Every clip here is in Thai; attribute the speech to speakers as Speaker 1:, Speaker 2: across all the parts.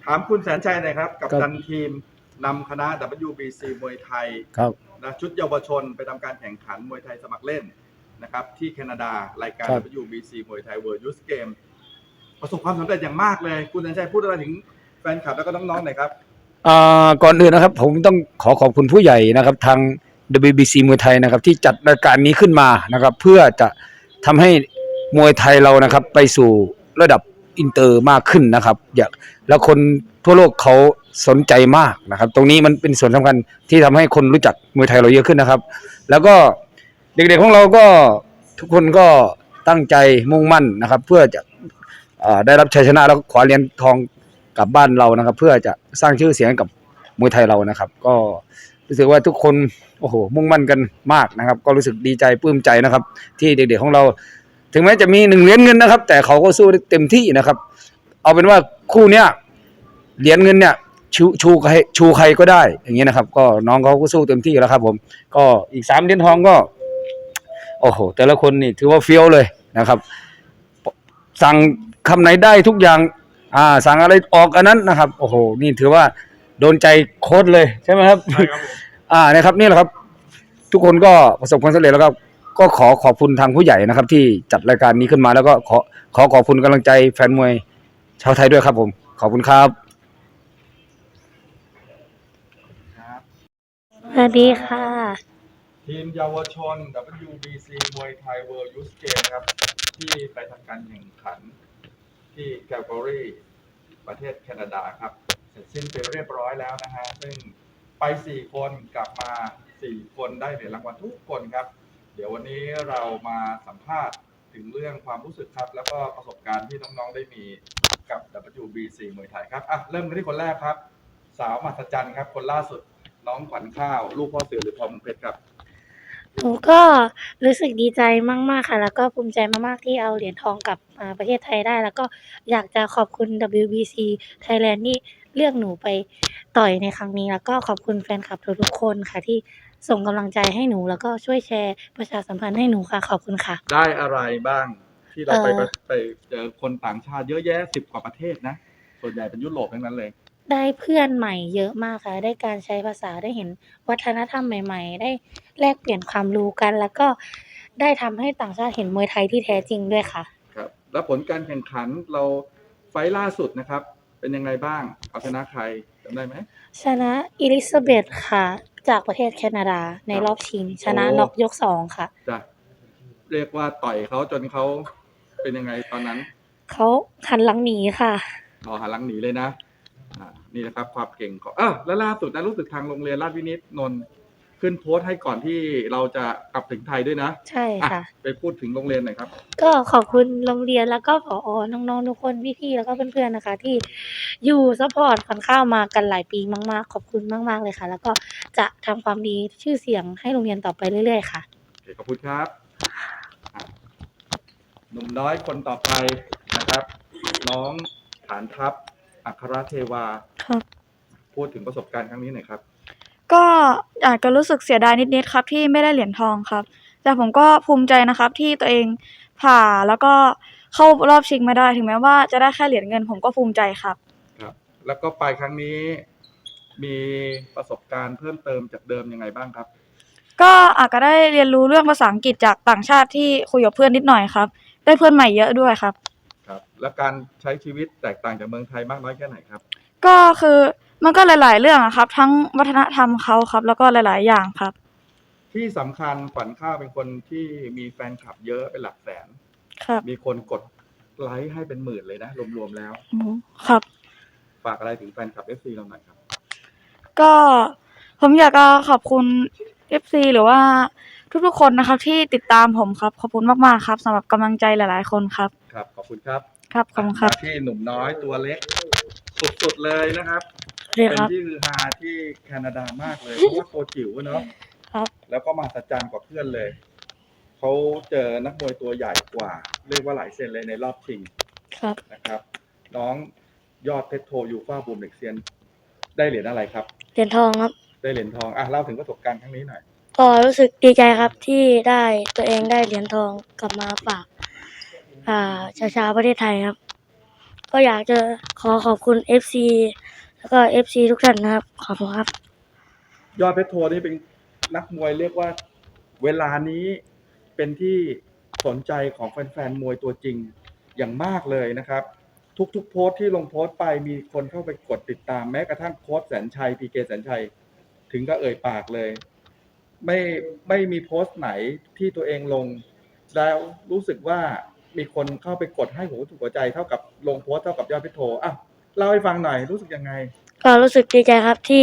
Speaker 1: ามคุณแสนชัยหน่อยครับกับ
Speaker 2: ครับ
Speaker 1: ดันทีมนำคณะ WBC มวยไทย
Speaker 2: ครับ
Speaker 1: นะชุดเยาวชนไปทำการแข่งขันมวยไทยสมัครเล่นนะครับที่แคนาดารายการ
Speaker 2: ครับ
Speaker 1: WBC มวยไทย World Youth Game ประสบความสำเร็จอย่างมากเลยคุณแสนชัยพูดอะไรถึงแฟนคลับแล้วก็น้องๆหน่อยครับ
Speaker 2: ก่อนอื่นนะครับผมต้องขอบคุณผู้ใหญ่นะครับทาง WBC มวยไทยนะครับที่จัดรายการนี้ขึ้นมานะครับเพื่อจะทำให้มวยไทยเรานะครับไปสู่ระดับอินเตอร์มากขึ้นนะครับแล้วคนทั่วโลกเขาสนใจมากนะครับตรงนี้มันเป็นส่วนสำคัญที่ทำให้คนรู้จักมวยไทยเราเยอะขึ้นนะครับแล้วก็เด็กๆของเราก็ทุกคนก็ตั้งใจมุ่งมั่นนะครับเพื่อจะได้รับชัยชนะแล้วก็คว้าเหรียญทองกลับบ้านเรานะครับเพื่อจะสร้างชื่อเสียงกับมวยไทยเรานะครับก็รู้สึกว่าทุกคนโอ้โหมุ่งมั่นกันมากนะครับก็รู้สึกดีใจปลื้มใจนะครับที่เด็กๆของเราถึงแม้จะมี1 เหรียญเงินนะครับแต่เขาก็สู้ได้เต็มที่นะครับเอาเป็นว่าคู่เนี้ยเหรียญเงินเนี่ยชูใครก็ได้อย่างนี้นะครับก็น้องเขาก็สู้เต็มที่แล้วครับผมก็อีก3 เหรียญทองก็โอ้โหแต่ละคนนี่ถือว่าเฟี้ยวเลยนะครับสั่งคำไหนได้ทุกอย่างสั่งอะไรออกอันนั้นนะครับโอ้โหนี่ถือว่าโดนใจโค้ชเลยใช่ไหมครับ
Speaker 1: ใช่ครับผม
Speaker 2: นะครับนี่แหละครับทุกคนก็ประสบความสำเร็จแล้วก็ขอบคุณทางผู้ใหญ่นะครับที่จัดรายการนี้ขึ้นมาแล้วก็ขอบคุณกำลังใจแฟนมวยชาวไทยด้วยครับผมขอบคุณครับ
Speaker 3: สวัสดีค่ะ
Speaker 1: ทีมเยาวชน WBC มวยไทย World Youth Game ครับที่ไปทำการแข่งขันที่แคลการีประเทศแคนาดาครับเสร็จสิ้นไปเรียบร้อยแล้วนะฮะซึ่งไป4 คนกลับมา4 คนได้เหรียญรางวัลทุกคนครับเดี๋ยววันนี้เรามาสัมภาษณ์ถึงเรื่องความรู้สึกครับแล้วก็ประสบการณ์ที่น้องๆได้มีกับ WBC มวยไทยครับเริ่มกันที่คนแรกครับสาวมหัศจรรย์ครับคนล่าสุดน้องขวัญข้าวลูกพ่อเสือหรือทองเพชรครับ
Speaker 3: หนูก็รู้สึกดีใจมากๆค่ะแล้วก็ภูมิใจมากๆที่เอาเหรียญทองกลับประเทศไทยได้แล้วก็อยากจะขอบคุณ WBC Thailand ที่เลือกหนูไปต่อยในครั้งนี้แล้วก็ขอบคุณแฟนคลับทุกๆคนค่ะที่ส่งกำลังใจให้หนูแล้วก็ช่วยแชร์ประชาสัมพันธ์ให้หนูค่ะขอบคุณค่ะ
Speaker 1: ได้อะไรบ้างที่เรา
Speaker 3: เอ่อ
Speaker 1: ไปเจอคนต่างชาติเยอะแยะ10 กว่าประเทศนะส่วนใหญ่เป็นยุโรปทั้งนั้นเลย
Speaker 3: ได้เพื่อนใหม่เยอะมากค่ะได้การใช้ภาษาได้เห็นวัฒนธรรมใหม่ๆได้แลกเปลี่ยนความรู้กันแล้วก็ได้ทำให้ต่างชาติเห็นมวยไทยที่แท้จริงด้วยค่ะ
Speaker 1: ครับแล้วผลการแข่งขันเราไฟล์ล่าสุดนะครับเป็นยังไงบ้างเอาชนะใครจำได้ไหม
Speaker 3: ชนะอิลิซาเบธค่ะจากประเทศแคนาดาในรอบชิงชนะน็อกยก2ค่ะ
Speaker 1: จะเรียกว่าต่อยเขาจนเขาเป็นยังไงตอนนั้น
Speaker 3: เขาหันหลังหนีค่ะ
Speaker 1: หันหลังหนีเลยนะนี่นะครับความเก่งของแล้วล่าสุดนะรู้สึกทางโรงเรียนราชวินิตนนท์ขึ้นโพสต์ให้ก่อนที่เราจะกลับถึงไทยด้วยนะ
Speaker 3: ใช่ค่ะ
Speaker 1: ไปพูดถึงโรงเรียนหน่อยครับ
Speaker 3: ก็ขอบคุณโรงเรียนแล้วก็ผอน้องๆทุกคนพี่ๆแล้วก็เพื่อนๆนะคะที่อยู่ซัปพอร์ตขวัญข้าวมากันหลายปีมากๆขอบคุณมากๆเลยค่ะแล้วก็จะทำความดีชื่อเสียงให้โรงเรียนต่อไปเรื่อยๆค่ะ
Speaker 1: โอเคขอบคุณครับหนุ่มน้อยคนต่อไปนะครับน้องฐานทัพอัครเทวา
Speaker 4: ครับ
Speaker 1: พูดถึงประสบการณ์ครั้งนี้หน่อยครับ
Speaker 4: ก็อาจจะรู้สึกเสียดายนิดๆครับที่ไม่ได้เหรียญทองครับแต่ผมก็ภูมิใจนะครับที่ตัวเองผ่าแล้วก็เข้ารอบชิงมาได้ถึงแม้ว่าจะได้แค่เหรียญเงินผมก็ภูมิใจครับ
Speaker 1: ครับแล้วก็ไปครั้งนี้มีประสบการณ์เพิ่มเติมจากเดิมยังไงบ้างครับ
Speaker 4: ก็อาจจะได้เรียนรู้เรื่องภาษาอังกฤษจากต่างชาติที่คุยกับเพื่อนนิดหน่อยครับได้เพื่อนใหม่เยอะด้วยครับ
Speaker 1: ครับแล้วการใช้ชีวิตแตกต่างจากเมืองไทยมากน้อยแค่ไหนครับ
Speaker 4: ก็คือมันก็หลายๆเรื่องอะครับทั้งวัฒนธรรมเขาครับแล้วก็หลายๆอย่างครับ
Speaker 1: ที่สำคัญขวัญข้าวเป็นคนที่มีแฟนคลับเยอะเป็นหลักแสน
Speaker 4: ครับ
Speaker 1: มีคนกดไลค์ให้เป็นหมื่นเลยนะรวมๆแล้ว
Speaker 4: ครับ
Speaker 1: ฝากอะไรถึงแฟนคลับ FC เราหน่อยครับ
Speaker 4: ก็ผมอยากจะขอบคุณ FC หรือว่าทุกๆคนนะครับที่ติดตามผมครับขอบคุณมากๆครับสำหรับกำลังใจหลายๆคนครับ
Speaker 1: ครับขอบคุณครับ
Speaker 4: ครับขอบคุณครับ
Speaker 1: ที่หนุ่มน้อยตัวเล็กสุดๆเลยนะครับเป็นที่ฮือฮาที่แคนาดามากเลยเพราะว่าตัวจิ๋วเนาะ
Speaker 4: ครับ
Speaker 1: แล้วก็มาสัจจันกว่าเพื่อนเลยเขาเจอนักมวยตัวใหญ่กว่าเรียกว่าหลายเซนเลยในรอบชิง
Speaker 4: ครับ
Speaker 1: นะครับน้องยอดเพชรโทยูฟ่าบูมเด็กเซียนได้เหรียญอะไรครับ
Speaker 3: เหรียญทองครับ
Speaker 1: ได้เหรียญทองเล่าถึงประสบการณ์ครั้งนี้หน่อย
Speaker 3: ก็รู้สึกดีใจครับที่ได้ตัวเองได้เหรียญทองกลับมาฝากชาวประเทศไทยครับก็อยากจะขอบคุณ FC แล้วก็ FC ทุกท่านนะครับขอบคุณครับ
Speaker 1: ยอดเพชรโทนี่เป็นนักมวยเรียกว่าเวลานี้เป็นที่สนใจของแฟนๆมวยตัวจริงอย่างมากเลยนะครับ ทุกโพสต์ที่ลงโพสต์ไปมีคนเข้าไปกดติดตามแม้กระทั่งโค้ชแสนชัย PK แสนชัยถึงก็เอ่ยปากเลย ไม่มีโพสต์ไหนที่ตัวเองลงแล้วรู้สึกว่ามีคนเข้าไปกดให้หัวใจเท่ากับลงโพสต์เท่ากับยอดเพชรโทอ่ะเล่าให้ฟังหน่อยรู้สึกยังไง
Speaker 3: ก็รู้สึกดีใจครับที่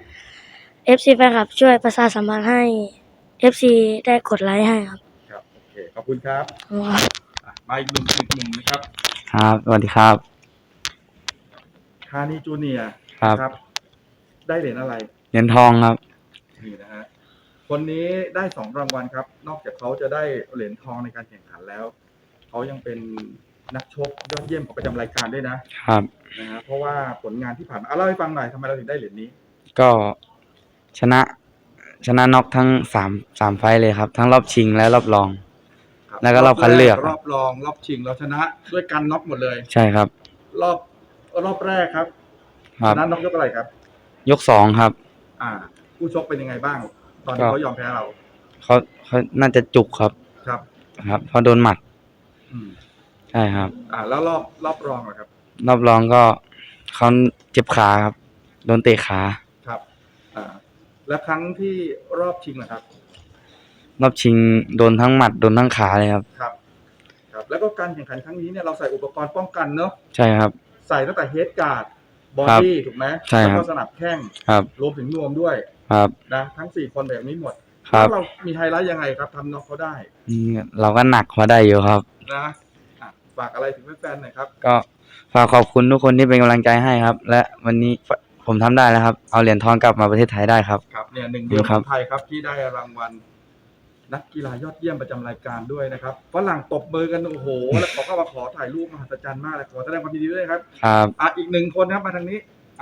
Speaker 3: FC แฟนคลับช่วยประชาสัมพันธ์ให้ FC ได้กดไลค์ให้ครับ
Speaker 1: ครับโอเคขอบคุณครับ
Speaker 3: ขอบคุณครับ
Speaker 1: มาอีกหนุ่มนะครับ
Speaker 5: ครับสวัสดีครับ
Speaker 1: ธานีจูเนียร์
Speaker 5: ครับ
Speaker 1: ได้เหรียญอะไร
Speaker 5: เหรียญทองครับ
Speaker 1: นี่นะฮะคนนี้ได้2 รางวัลครับ นอกจากเขาจะได้เหรียญทองในการแข่งขันแล้วเขายังเป็นนักชกยอดเยี่ยมของประจำรายการด้วยนะครับ นะฮะเพราะว่าผลงานที่ผ่านมาเล่าให้ฟังหน่อยทำไมเราถึงได้เหรียญนี้
Speaker 5: ก็ชนะน็อกทั้งสามไฟต์เลยครับ ทั้งรอบชิงและรอบรอง
Speaker 1: ครับ
Speaker 5: แล้วก็รอบคัดเลือก
Speaker 1: รอบรองรอบชิงเราชนะด้วยการน็อกหมดเลย
Speaker 5: ใช่ครับ
Speaker 1: รอบแรกครับ
Speaker 5: ครั
Speaker 1: ช
Speaker 5: บ
Speaker 1: นะน็อกยกอะไรครับ
Speaker 5: ยก2ครับ
Speaker 1: ผู้ชกเป็นยังไงบ้าง ตอนที่
Speaker 5: ก็
Speaker 1: เขายอมแพ้เรา
Speaker 5: เขาน่าจะจุกครับ
Speaker 1: ครับ
Speaker 5: ครับเพราะโดนหมัด
Speaker 1: อืม
Speaker 5: ใช่ครับ
Speaker 1: แล้วรอบรองเหรอครับ
Speaker 5: รอบรองก็เขาเจ็บขาครับ โดนเตะขา
Speaker 1: ครับแล้วครั้งที่รอบชิงนะครับ
Speaker 5: รอบชิงโดนทั้งหมัดโดนทั้งขาเลยครับ
Speaker 1: ครับ ครับ แล้วก็การแข่งขันครั้งนี้เนี่ยเราใส่อุปกรณ์ป้องกันเนอะ
Speaker 5: ใช่ครับ
Speaker 1: ใส่ตั้งแต่เฮดการ์ดบอ
Speaker 5: ครับ
Speaker 1: ดี้ถูกไหม
Speaker 5: ใช่ครับ
Speaker 1: แล้วก็สนับแข้ง
Speaker 5: ครับ
Speaker 1: รวมถึงนวมด้วย
Speaker 5: ครับ
Speaker 1: นะทั้ง4 คนแบบนี้หมด
Speaker 5: ครับ
Speaker 1: แล้วเรามีไฮไลท์ยังไงครับทำน็อกเขาได้
Speaker 5: เราก็หนักมาได้อยู่ครับ
Speaker 1: นะฝากอะไรถึงแฟนๆหน่อยครับ
Speaker 5: ก็ฝากขอบคุณทุกคนที่เป็นกำลังใจให้ครับ และวันนี้ผมทำได้แล้วครับ เอาเหรียญทองกลับมาประเทศไทยได้ครับ
Speaker 1: ครับเนี่ยหนึ่งเดียว
Speaker 5: ค
Speaker 1: ข
Speaker 5: รั
Speaker 1: อบ งไทยครับที่ได้รางวัลนักกีฬายอดเยี่ยมประจำรายการด้วยนะครับฝรั่งตบมือกันโอ้โหแล้วเขาก็มาขอถ่ายรูปมหัศจรรย์มากเลยขอแสดงความยินดีด้วยครับ
Speaker 5: ครับ
Speaker 1: อีก1 คนครับมาทางนี้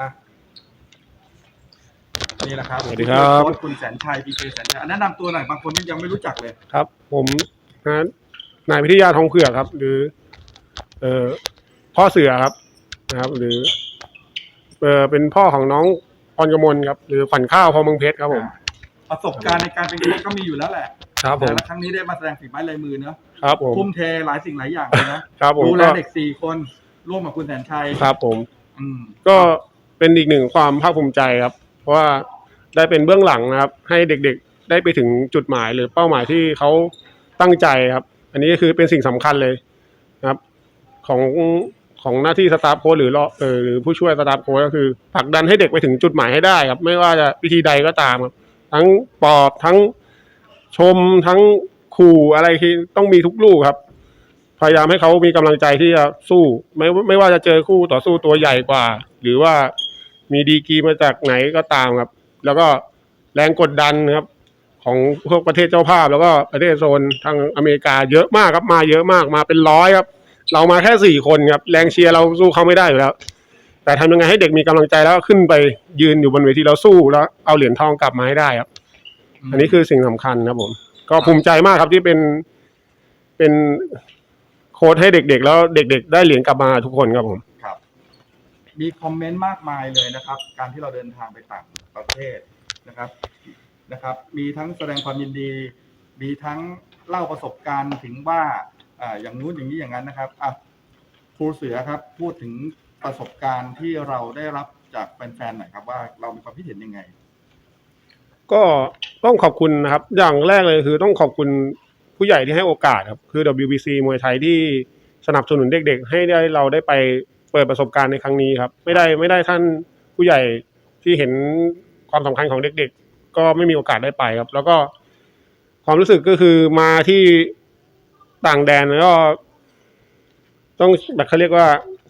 Speaker 1: นี่แหละครับ
Speaker 6: สวัสดีครับ
Speaker 1: โค้ชคุณแสนชัย PK แสนชัยแนะนำตัวหน่อยบางคนยังไม่รู้จักเลย
Speaker 6: ครับ ผมนายพิทยาทองเผือกครับ หรือพ่อเสือครับนะครับ หรือเป็นพ่อของน้องพรกมลครับ หรือฝันข้าวพอเมืองเพชรครับผม
Speaker 1: ประสบการณ์ในการเป็นโค้ชก็มีอยู่แล้วแหละ
Speaker 6: ครับผม
Speaker 1: และครั้งนี้ได้มาแสดงฝีไม้ลายมือเนอะ
Speaker 6: ครับผม
Speaker 1: ทุ่มเทหลายสิ่งหลายอย่างเลยนะครับ
Speaker 6: ผม
Speaker 1: ดูแล
Speaker 6: ก็
Speaker 1: เด็ก4 คนร่วมกับคุณแสนชัย
Speaker 6: ครับผม
Speaker 1: อืม
Speaker 6: ก็เป็นอีกหนึ่งความภาคภูมิใจครับ เพราะว่าได้เป็นเบื้องหลังนะครับ ให้เด็กๆได้ไปถึงจุดหมายหรือเป้าหมายที่เขาตั้งใจครับ อันนี้ก็คือเป็นสิ่งสำคัญเลยนะครับ ของหน้าที่สตาฟโค้ชหรือผู้ช่วยสตาฟโค้ชก็คือผลักดันให้เด็กไปถึงจุดหมายให้ได้ครับ ไม่ว่าจะวิธีใดก็ตามครับทั้งปลอบทั้งชมทั้งขู่อะไรที่ต้องมีทุกลูกครับ พยายามให้เขามีกำลังใจที่จะสู้ไม่ว่าจะเจอคู่ต่อสู้ตัวใหญ่กว่า หรือว่ามีดีกรีมาจากไหนก็ตามครับ แล้วก็แรงกดดันครับ ของพวกประเทศเจ้าภาพ แล้วก็ประเทศโซนทางอเมริกาเยอะมากครับมาเยอะมากมาเป็น100ครับเรามาแค่4 คนครับแรงเชียร์เราสู้เขาไม่ได้อยู่แล้ว แต่ทำยังไงให้เด็กมีกำลังใจแล้วขึ้นไปยืนอยู่บนเวทีแล้วสู้แล้วเอาเหรียญทองกลับมาให้ได้ครับ อันนี้คือสิ่งสำคัญครับผมก็ภูมิใจมากครับที่เป็นโค้ชให้เด็กๆแล้วเด็กๆได้เหรียญกลับมาทุกคนครับผม
Speaker 1: ครับ มีคอมเมนต์มากมายเลยนะครับ การที่เราเดินทางไปต่างประเทศนะครับ มีทั้งแสดงความยินดี มีทั้งเล่าประสบการณ์ถึงว่าอย่างนู้นอย่างนี้อย่างนั้นนะครับครูเสือครับพูดถึงประสบการณ์ที่เราได้รับจากแฟนๆหน่อยครับว่าเรามีความคิดเห็นยังไง
Speaker 6: ก็ต้องขอบคุณนะครับ อย่างแรกเลยคือต้องขอบคุณผู้ใหญ่ที่ให้โอกาสครับคือ WBC มวยไทยที่สนับสนุนเด็กๆให้เราได้ไปเปิดประสบการณ์ในครั้งนี้ครับไม่ได้ท่านผู้ใหญ่ที่เห็นความสำคัญของเด็กๆก็ไม่มีโอกาสได้ไปครับ แล้วก็ความรู้สึกก็คือมาที่ต่างแดนแล้วก็ต้องแบบเขาเรียกว่า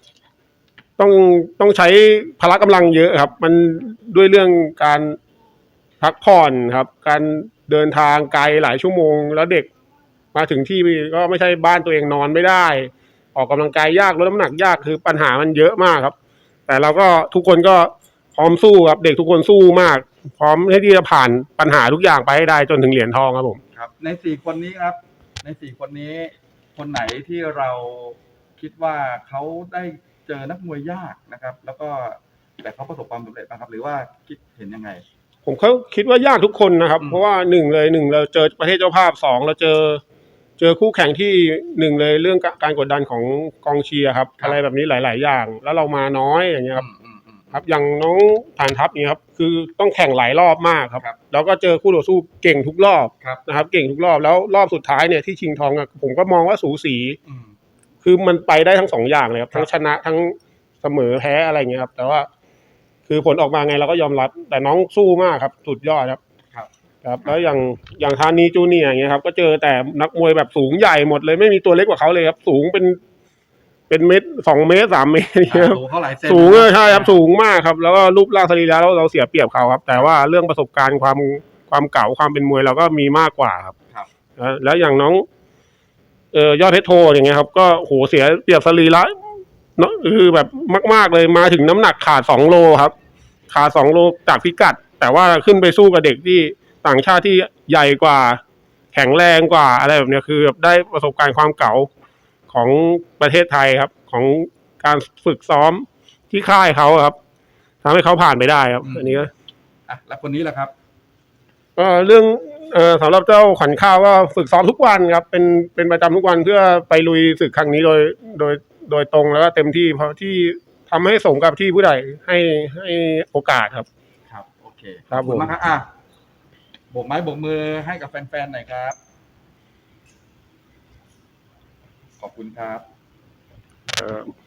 Speaker 6: ต้องใช้พละกำลังเยอะครับ มันด้วยเรื่องการพักผ่อนครับ การเดินทางไกลหลายชั่วโมงแล้วเด็กมาถึงที่ก็ไม่ใช่บ้านตัวเองนอนไม่ได้ ออกกำลังกายยากลดน้ำหนักยากคือปัญหามันเยอะมากครับ แต่เราก็ทุกคนก็พร้อมสู้ครับเด็กทุกคนสู้มาก พร้อมที่จะผ่านปัญหาทุกอย่างไปให้ได้จนถึงเหรียญทองครับผม
Speaker 1: ครับใน4 คนนี้ครับใน4 คนนี้คนไหนที่เราคิดว่าเขาได้เจอนักมวยยากนะครับ แล้วก็แต่เขาประสบความสำเร็จนะครับ หรือว่าคิดเห็นยังไง
Speaker 6: ผมเขาคิดว่ายากทุกคนนะครับ
Speaker 1: อืม
Speaker 6: เพราะว่าหนึ่งเราเจอประเทศเจ้าภาพสองเราเจอคู่แข่งที่หนึ่งเลยเรื่องการกดดันของกองเชียร์ครับ อะไรแบบนี้หลาย ๆ อย่าง แล้วเรามาน้อยอย่างเงี้ยครับ ครับอย่างน้องฐานทัพเนี่ยครับคือต้องแข่งหลายรอบมากครับ
Speaker 1: ครับ
Speaker 6: แล้วก็เจอคู่ต่อสู้เก่งทุกรอบ
Speaker 1: ครับ
Speaker 6: นะครับ เก่งทุกรอบแล้วรอบสุดท้ายเนี่ยที่ชิงทองอะผมก็มองว่าสูสี
Speaker 1: อืม
Speaker 6: คือมันไปได้ทั้งสองอย่างเลยครับ
Speaker 1: ครับ
Speaker 6: ทั้งชนะทั้งเสมอแพ้อะไรเงี้ยครับ แต่ว่า คือผลออกมาไงเราก็ยอมรับ แต่น้องสู้มากครับสุดยอดครับ
Speaker 1: ครับ
Speaker 6: ครับแล้วอย่างธานีจูเนียร์อย่างเงี้ยครับก็เจอแต่นักมวยแบบสูงใหญ่หมดเลยไม่มีตัวเล็กกว่าเขาเลยครับ สูงเป็นเมตร2 เมตร 3 เมตรอย่างเงี้ยครับ
Speaker 1: สูงเท่าไหร่เซน
Speaker 6: สูงใช่ครับสูงมากครับ แล้วก็รูปร่างสรีระเราเสียเปรียบเขาครับ แต่ว่าเรื่องประสบการณ์ความเก่าความเป็นมวยเราก็มีมากกว่าครับ
Speaker 1: ครับ
Speaker 6: แล้วอย่างน้องยอดเพชรโทอย่างเงี้ยครับ ก็โหเสียเปรียบสรีระเนาะคือแบบมากๆเลยมาถึงน้ำหนักขาด2 โลครับขาด2 โลจากพิกัด แต่ว่าขึ้นไปสู้กับเด็กที่ต่างชาติที่ใหญ่กว่าแข็งแรงกว่าอะไรแบบเนี้ยคือแบบได้ประสบการณ์ความเก่าของประเทศไทยครับ ของการฝึกซ้อมที่ค่ายเขาครับทำให้เขาผ่านไปได้ครับ อันนี้ก็
Speaker 1: อ่ะแล้วคนนี้แหละครับ
Speaker 6: เรื่องสำหรับเจ้าขวัญข้าวก็ฝึกซ้อมทุกวันครับเป็นประจำทุกวันเพื่อไปลุยศึกครั้งนี้โดยตรงแล้วก็เต็มที่เพราะที่ทำให้สมกับที่ผู้ใหญ่ให้โอกาสครับ
Speaker 1: ครับ โอเค
Speaker 6: ครับ
Speaker 1: ขอบคุณ
Speaker 6: ผม
Speaker 1: มากครับอ่ะโบกไม้โบกมือให้กับแฟนๆหน่อยครับ ขอบคุณครับ
Speaker 6: เอ่อ